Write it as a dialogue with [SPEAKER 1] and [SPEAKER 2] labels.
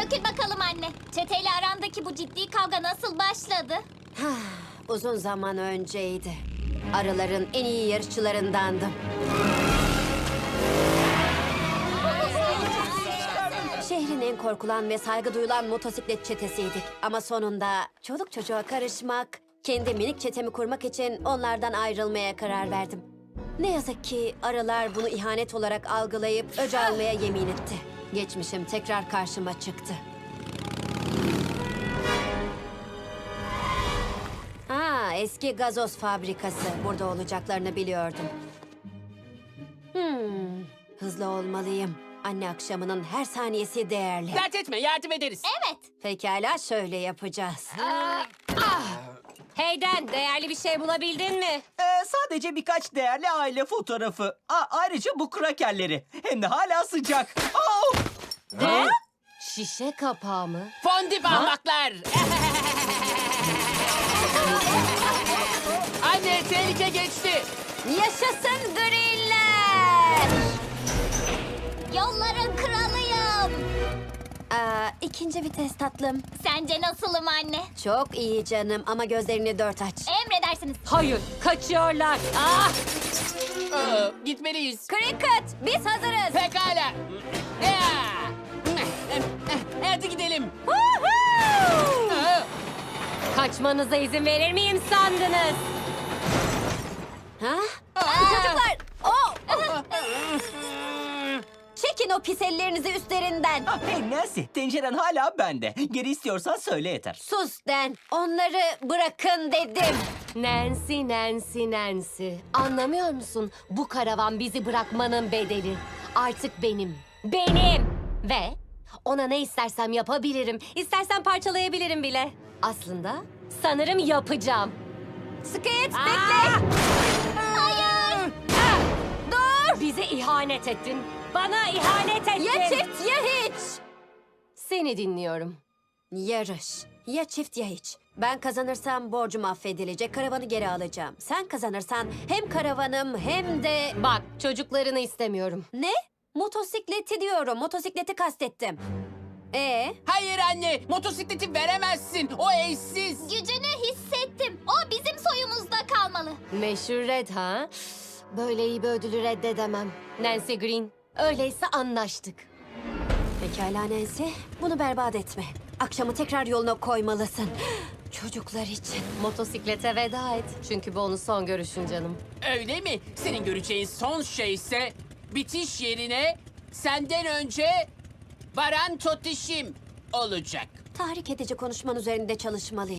[SPEAKER 1] Dökül bakalım anne. Çeteyle arandaki bu ciddi kavga nasıl başladı?
[SPEAKER 2] Uzun zaman önceydi. Arıların en iyi yarışçılarındandım. Şehrin en korkulan ve saygı duyulan motosiklet çetesiydik. Ama sonunda çoluk çocuğa karışmak, kendi minik çetemi kurmak için onlardan ayrılmaya karar verdim. Ne yazık ki arılar bunu ihanet olarak algılayıp öc almaya yemin etti. Geçmişim tekrar karşıma çıktı. Eski gazoz fabrikası. Burada olacaklarını biliyordum. Hızlı olmalıyım. Anne akşamının her saniyesi değerli.
[SPEAKER 3] Dert etme, yardım ederiz.
[SPEAKER 1] Evet.
[SPEAKER 2] Pekala şöyle yapacağız.
[SPEAKER 4] Heyden, değerli bir şey bulabildin mi?
[SPEAKER 5] Sadece birkaç değerli aile fotoğrafı. Ayrıca bu krakerleri. Hem de hala sıcak. Oh!
[SPEAKER 4] Ne? Şişe kapağı mı?
[SPEAKER 3] Fondip ahmaklar. Anne, tehlike geçti.
[SPEAKER 2] Yaşasın griller!
[SPEAKER 1] Yolların kralıyım.
[SPEAKER 2] İkinci vites tatlım.
[SPEAKER 1] Sence nasılım anne?
[SPEAKER 2] Çok iyi canım ama gözlerini dört aç.
[SPEAKER 1] Emredersiniz.
[SPEAKER 4] Hayır, kaçıyorlar. Ah!
[SPEAKER 3] Gitmeliyiz.
[SPEAKER 2] Cricket, biz hazırız.
[SPEAKER 3] Pekala. Hadi gidelim.
[SPEAKER 4] Kaçmanıza izin verir miyim sandınız?
[SPEAKER 2] Çocuklar! Çekin o pis ellerinizi üstlerinden.
[SPEAKER 5] Hey Nancy, tenceren hala bende. Geri istiyorsan söyle yeter.
[SPEAKER 2] Sus Den, onları bırakın dedim.
[SPEAKER 4] Nancy, Nancy, Nancy. Anlamıyor musun? Bu karavan bizi bırakmanın bedeli. Artık benim. Benim! Ve ona ne istersem yapabilirim. İstersen parçalayabilirim bile. Aslında sanırım yapacağım.
[SPEAKER 2] Skit, bekle.
[SPEAKER 4] Hayır! Dur! Bize ihanet ettin. Bana ihanet ettin.
[SPEAKER 2] Ya çift ya hiç.
[SPEAKER 4] Seni dinliyorum.
[SPEAKER 2] Yarış. Ya çift ya hiç. Ben kazanırsam borcum affedilecek, karavanı geri alacağım. Sen kazanırsan hem karavanım hem de...
[SPEAKER 4] Bak, çocuklarını istemiyorum.
[SPEAKER 2] Ne? Motosikleti diyorum, motosikleti kastettim.
[SPEAKER 3] Hayır anne, motosikleti veremezsin. O eşsiz.
[SPEAKER 1] Gücünü hissettim. O bizim soyumuzda kalmalı.
[SPEAKER 4] Meşhur Red ha? Böyle iyi bir ödülü reddedemem. Nancy Green, öyleyse anlaştık.
[SPEAKER 2] Pekala Nancy, bunu berbat etme. Akşamı tekrar yoluna koymalısın. Çocuklar için.
[SPEAKER 4] Motosiklete veda et. Çünkü bu onun son görüşün canım.
[SPEAKER 3] Öyle mi? Senin göreceğin son şey ise bitiş yerine senden önce Baran Totişim olacak.
[SPEAKER 2] Tahrik edici konuşman üzerinde çalışmalıyım.